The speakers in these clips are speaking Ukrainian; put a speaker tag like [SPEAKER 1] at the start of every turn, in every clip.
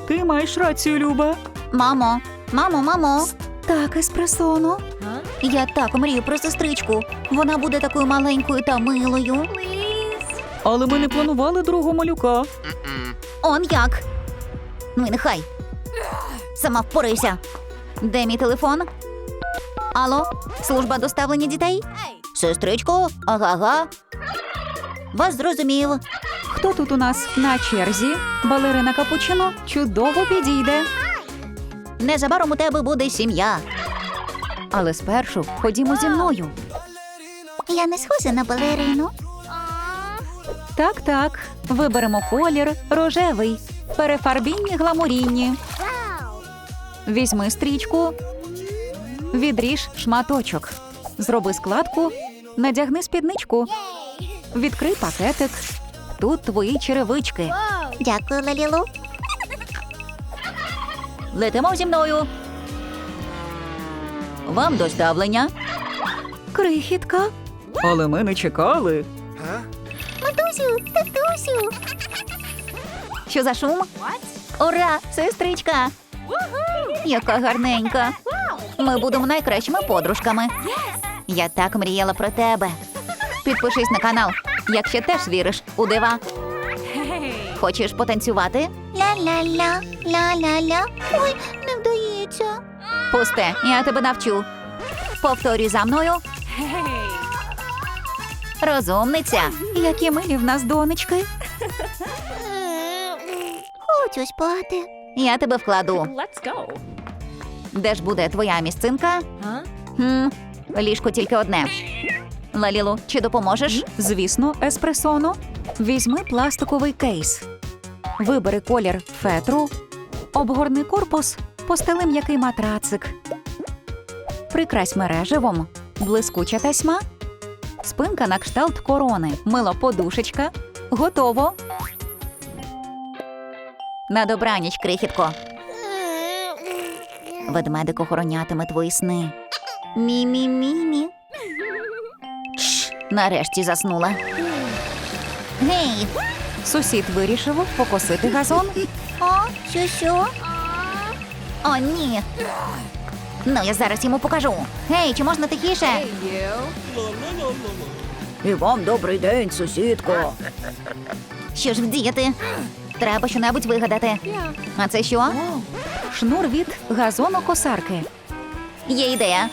[SPEAKER 1] Ти маєш рацію, Люба.
[SPEAKER 2] Мамо. Так, еспресоно. Я так мрію про сестричку. Вона буде такою маленькою та милою.
[SPEAKER 1] Але ми не планували другого малюка.
[SPEAKER 2] Он як? Ну і нехай. Сама впорайся. Де мій телефон? Алло, служба доставлення дітей? Сестричко, ага. Вас зрозумів.
[SPEAKER 1] Хто тут у нас на черзі? Балерина Капучино чудово підійде.
[SPEAKER 2] Незабаром у тебе буде сім'я.
[SPEAKER 1] Але спершу ходімо зі мною.
[SPEAKER 2] Я не схожа на балерину.
[SPEAKER 1] Так. Виберемо колір рожевий. Перефарбінні гламурінні. Візьми стрічку. Відріж шматочок. Зроби складку. Надягни спідничку. Відкрий пакетик. Тут твої черевички.
[SPEAKER 2] Дякую, Лалілу. Летимо зі мною. Вам доставлення.
[SPEAKER 1] Крихітка. Але ми не чекали.
[SPEAKER 2] Татусю. Що за шум? Ура, сестричка. Яка гарненька. Ми будемо найкращими подружками. Я так мріяла про тебе. Підпишись на канал, якщо теж віриш у дива. Хочеш потанцювати? Ля-ля-ля, ля-ля-ля. Ой, не вдається. Пусте, я тебе навчу. Повторюй за мною. Розумниця.
[SPEAKER 1] Які милі в нас донечки.
[SPEAKER 2] Хочу спати. Я тебе вкладу.
[SPEAKER 3] Let's go.
[SPEAKER 2] Де ж буде твоя місцинка? Ліжко тільки одне. Лалілу, чи допоможеш?
[SPEAKER 1] Звісно, еспресоно. Візьми пластиковий кейс. Вибери колір фетру. Обгорни корпус. Постели м'який матрацик. Прикрась мереживом. Блискуча тасьма. Спинка на кшталт корони. Мила подушечка. Готово.
[SPEAKER 2] На добраніч, крихітко. Ведмедик охоронятиме твої сни. Мі-мі-мі-мі. Шш, нарешті заснула. Гей!
[SPEAKER 1] Сусід вирішив покосити газон.
[SPEAKER 2] О, що? О, ні. Ну, я зараз йому покажу. Гей, чи можна тихіше? І вам добрий день, сусідко. Що ж вдіяти? Треба щонебудь вигадати. А це що?
[SPEAKER 1] Шнур від газонокосарки.
[SPEAKER 2] Є ідея.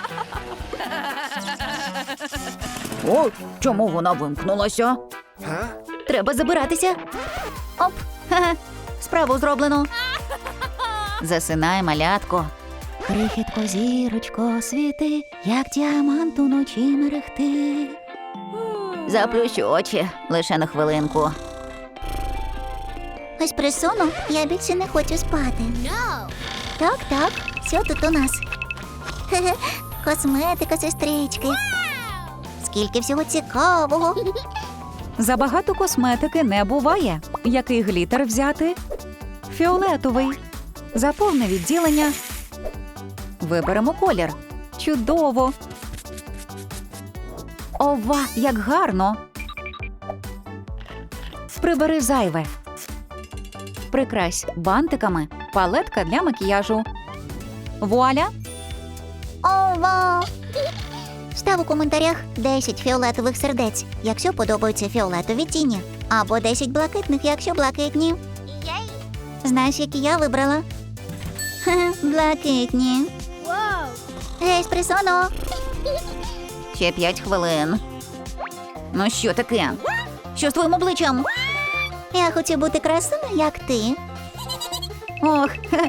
[SPEAKER 2] О, чому вона вимкнулася? Треба забиратися. Оп, ха-ха, справу зроблено. Засинай, малятко. Крихітко, зірочко, світи, як діамант уночі мерехти. Заплющ очі, лише на хвилинку. Еспресоно, я більше не хочу спати. Так, що тут у нас? Хе-хе, косметика сестрички. Скільки всього цікавого.
[SPEAKER 1] Забагато косметики не буває. Який глітер взяти? Фіолетовий. Заповни відділення. Виберемо колір. Чудово. Ова, як гарно. Прибери зайве. Прикрась бантиками. Палетка для макіяжу. Вуаля.
[SPEAKER 2] Ова! Став у коментарях 10 фіолетових сердець, якщо подобаються фіолетові тіні. Або 10 блакитних, якщо блакитні. Знаєш, які я вибрала? Ха, блакитні. Гей, еспресоно! Ще 5 хвилин. Ну що таке? Що з твоїм обличчям? Я хочу бути красивою, як ти. Ох,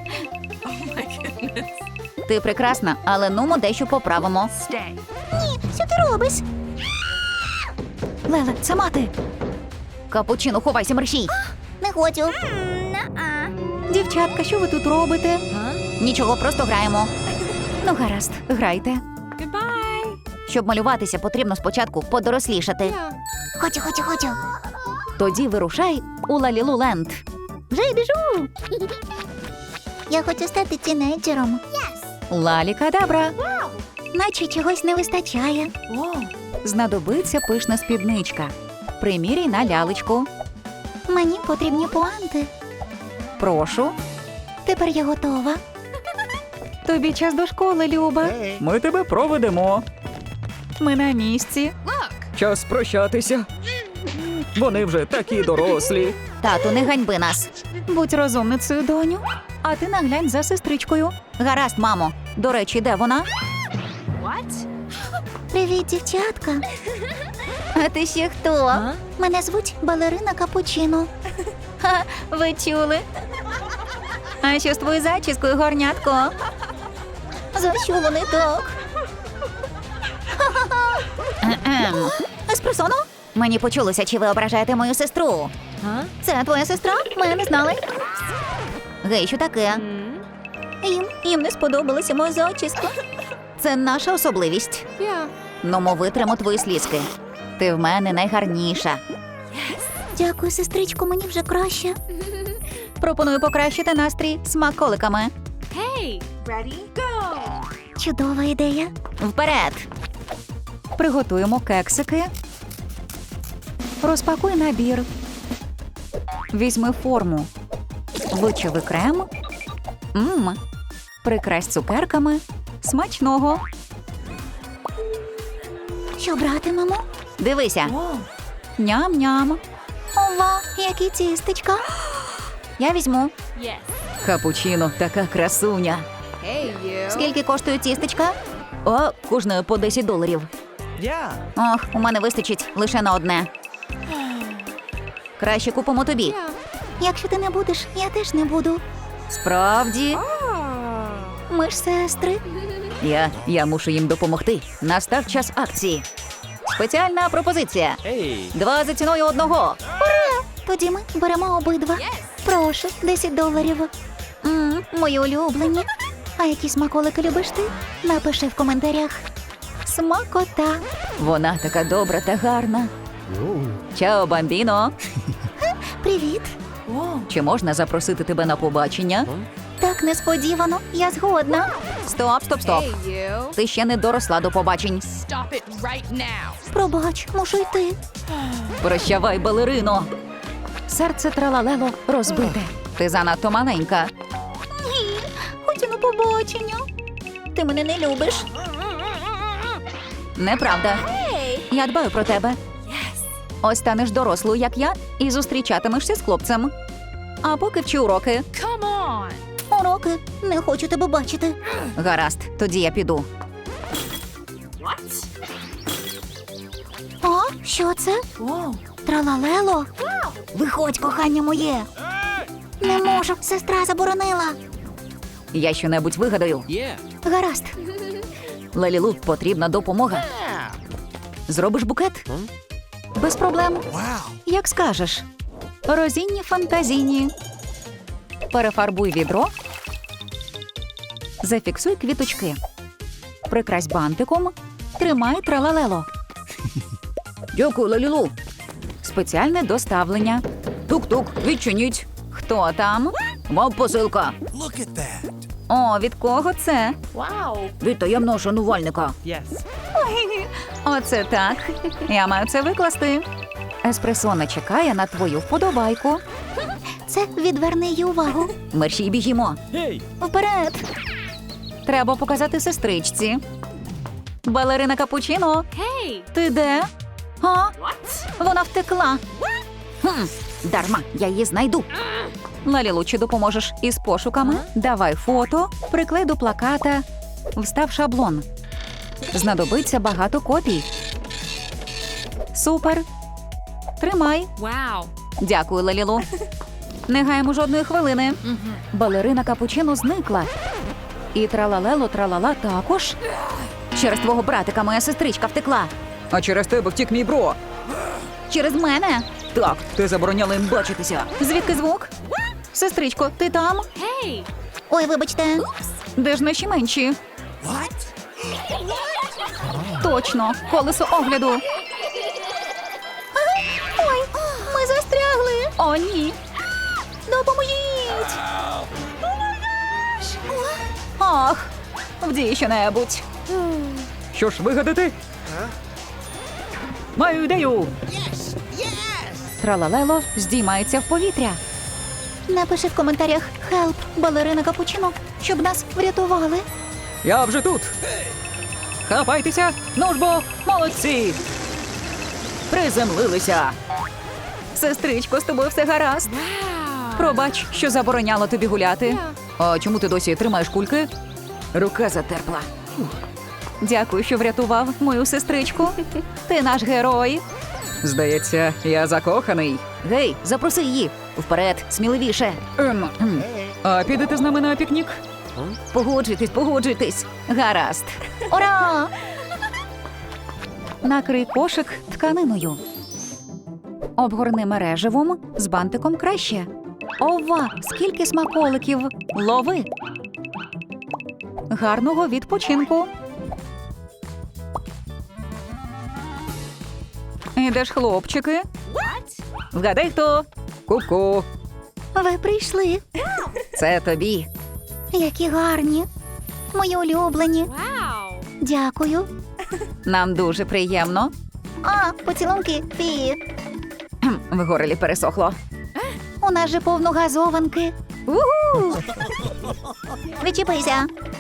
[SPEAKER 2] ти прекрасна, але нумо дещо поправимо.
[SPEAKER 3] Stay.
[SPEAKER 2] Що ти робиш?
[SPEAKER 1] Леле, сама ти.
[SPEAKER 2] Капучино, ховайся, мерщій. Не хочу.
[SPEAKER 1] Дівчатка, що ви тут робите?
[SPEAKER 2] Нічого, просто граємо.
[SPEAKER 1] Ну, гаразд, грайте.
[SPEAKER 3] Goodbye.
[SPEAKER 2] Щоб малюватися, потрібно спочатку подорослішати. Хочу.
[SPEAKER 1] Тоді вирушай у Лалілу Ленд.
[SPEAKER 2] Вже й біжу. Я хочу стати тінейджером.
[SPEAKER 1] Лалі-кадабра.
[SPEAKER 2] Наче чогось не вистачає.
[SPEAKER 1] Знадобиться пишна спідничка. Приміряй на лялечку.
[SPEAKER 2] Мені потрібні пуанти.
[SPEAKER 1] Прошу.
[SPEAKER 2] Тепер я готова.
[SPEAKER 1] Тобі час до школи, Люба. Ми тебе проведемо. Ми на місці. Час прощатися. Вони вже такі дорослі.
[SPEAKER 2] Тату, не ганьби нас.
[SPEAKER 1] Будь розумницею, доню. А ти наглянь за сестричкою.
[SPEAKER 2] Гаразд, мамо.
[SPEAKER 1] До речі, де вона?
[SPEAKER 3] What?
[SPEAKER 2] Привіт, дівчатка. А ти ще хто? Мене звуть Балерина Капучино.
[SPEAKER 1] Ха, ви чули? А що з твоєю зачіскою, горнятко?
[SPEAKER 2] За що вони так? Еспресоно? Мені почулося, чи ви ображаєте мою сестру.
[SPEAKER 3] Huh?
[SPEAKER 2] Це твоя сестра? Ми не знали. Гей, що таке? Їм не сподобалася моя зачіска. Це наша особливість.
[SPEAKER 3] Yeah.
[SPEAKER 2] Ну, ми витримо твої слізки. Ти в мене найгарніша. Дякую, сестричко, мені вже краще.
[SPEAKER 1] Пропоную покращити настрій смаколиками.
[SPEAKER 3] Hey, ready? Go.
[SPEAKER 2] Чудова ідея.
[SPEAKER 1] Вперед! Приготуємо кексики. Розпакуй набір. Візьми форму. Вичави крем. Прикрась цукерками. Смачного.
[SPEAKER 2] Що братимемо?
[SPEAKER 1] Дивися.
[SPEAKER 3] Whoa.
[SPEAKER 1] Ням-ням.
[SPEAKER 2] Ова, які тістечка.
[SPEAKER 1] Я візьму.
[SPEAKER 3] Yes.
[SPEAKER 1] Капучино, така красуня.
[SPEAKER 3] Hey, you.
[SPEAKER 2] Скільки коштує тістечка?
[SPEAKER 1] О, кожне по $10.
[SPEAKER 2] Ох, у мене вистачить лише на одне.
[SPEAKER 1] Краще купимо тобі.
[SPEAKER 3] Yeah.
[SPEAKER 2] Якщо ти не будеш, я теж не буду.
[SPEAKER 1] Справді.
[SPEAKER 3] Oh.
[SPEAKER 2] Ми ж сестри.
[SPEAKER 1] Я мушу їм допомогти. Настав час акції. Спеціальна пропозиція. 2 за ціною одного.
[SPEAKER 2] Тоді ми беремо обидва. Прошу, $10. Мої улюблені. А які смаколики любиш ти? Напиши в коментарях. Смакота.
[SPEAKER 1] Вона така добра та гарна. Чао, бамбіно.
[SPEAKER 2] Привіт.
[SPEAKER 3] Whoa.
[SPEAKER 1] Чи можна запросити тебе на побачення?
[SPEAKER 2] Так несподівано. Я згодна.
[SPEAKER 1] Стоп.
[SPEAKER 3] Hey, you.
[SPEAKER 1] Ти ще не доросла до побачень.
[SPEAKER 3] Stop it right now.
[SPEAKER 2] Пробач, мушу йти.
[SPEAKER 1] Прощавай, балерино. Серце тралалело розбите. Ти занадто маленька.
[SPEAKER 2] Ні, хочу на побачення. Ти мене не любиш.
[SPEAKER 1] Неправда. Я дбаю про тебе.
[SPEAKER 3] Yes.
[SPEAKER 1] Ось станеш дорослою, як я, і зустрічатимешся з хлопцем. А поки вчи уроки.
[SPEAKER 3] Come on.
[SPEAKER 2] Уроки, не хочу тебе бачити.
[SPEAKER 1] Гаразд, тоді я піду.
[SPEAKER 3] What?
[SPEAKER 2] А, що це?
[SPEAKER 3] Whoa.
[SPEAKER 2] Тралалело? Виходь, кохання моє. Не можу, сестра заборонила.
[SPEAKER 1] Я щонебудь вигадаю.
[SPEAKER 2] Гаразд.
[SPEAKER 1] Лалілу, потрібна допомога. Зробиш букет? Без проблем. Як скажеш. Розінні фантазійні. Перефарбуй відро. Зафіксуй квіточки. Прикрась бантиком. Тримай тралалело. Дякую, Лалілу. Спеціальне доставлення. Тук-тук, відчиніть. Хто там? Мав посилка. О, від кого це?
[SPEAKER 3] Wow.
[SPEAKER 1] Від таємного шанувальника. Оце так. Я маю це викласти. Еспресона чекає на твою вподобайку.
[SPEAKER 2] Це відверни її увагу.
[SPEAKER 1] Мерщій біжімо.
[SPEAKER 2] Вперед.
[SPEAKER 1] Треба показати сестричці. Балерина Капучино,
[SPEAKER 3] Hey.
[SPEAKER 1] ти де? А?
[SPEAKER 3] What?
[SPEAKER 1] Вона втекла. Дарма, я її знайду. Лалілу, чи допоможеш із пошуками? Давай фото, приклей до плаката, встав шаблон. Знадобиться багато копій. Супер. Тримай.
[SPEAKER 3] Wow.
[SPEAKER 1] Дякую, Лалілу. Не гаємо жодної хвилини. Балерина Капучино зникла. І тралалело тралала також. Через твого братика моя сестричка втекла. А через тебе втік мій бро.
[SPEAKER 2] Через мене.
[SPEAKER 1] Так, ти забороняла їм бачитися. Звідки звук? Сестричко, ти там?
[SPEAKER 3] Hey.
[SPEAKER 2] Ой, вибачте.
[SPEAKER 1] Де ж наші менші? Точно, колесо огляду.
[SPEAKER 2] Ой, ми застрягли.
[SPEAKER 1] О, ні.
[SPEAKER 2] Допоможіть.
[SPEAKER 1] Ах, вдій що-небудь. Що ж вигадати? Маю ідею. Тралалело здіймається в повітря.
[SPEAKER 2] Напиши в коментарях, Хелп, балерина Капучино, щоб нас врятували.
[SPEAKER 1] Я вже тут. Хапайтеся, ну ж бо, молодці. Приземлилися. Сестричко, з тобою все гаразд.
[SPEAKER 3] Wow.
[SPEAKER 1] Пробач, що забороняло тобі гуляти. А чому ти досі тримаєш кульки? Рука затерпла. Дякую, що врятував мою сестричку. Ти наш герой. Здається, я закоханий. Гей, запроси її. Вперед, сміливіше. А підете з нами на пікнік? Погоджуйтесь. Гаразд.
[SPEAKER 2] Ура!
[SPEAKER 1] Накрий кошик тканиною. Обгорни мереживом, з бантиком краще. Ова, скільки смаколиків! Лови! Гарного відпочинку! Ідеш, хлопчики?
[SPEAKER 3] What?
[SPEAKER 1] Вгадай, хто? Ку-ку!
[SPEAKER 2] Ви прийшли.
[SPEAKER 1] Це тобі.
[SPEAKER 2] Які гарні. Мої улюблені.
[SPEAKER 3] Wow.
[SPEAKER 2] Дякую.
[SPEAKER 1] Нам дуже приємно.
[SPEAKER 2] А, поцілунки. Фі.
[SPEAKER 1] В горлі пересохло.
[SPEAKER 2] У нас же повно газованки.
[SPEAKER 1] Уху!
[SPEAKER 2] Відчіпися.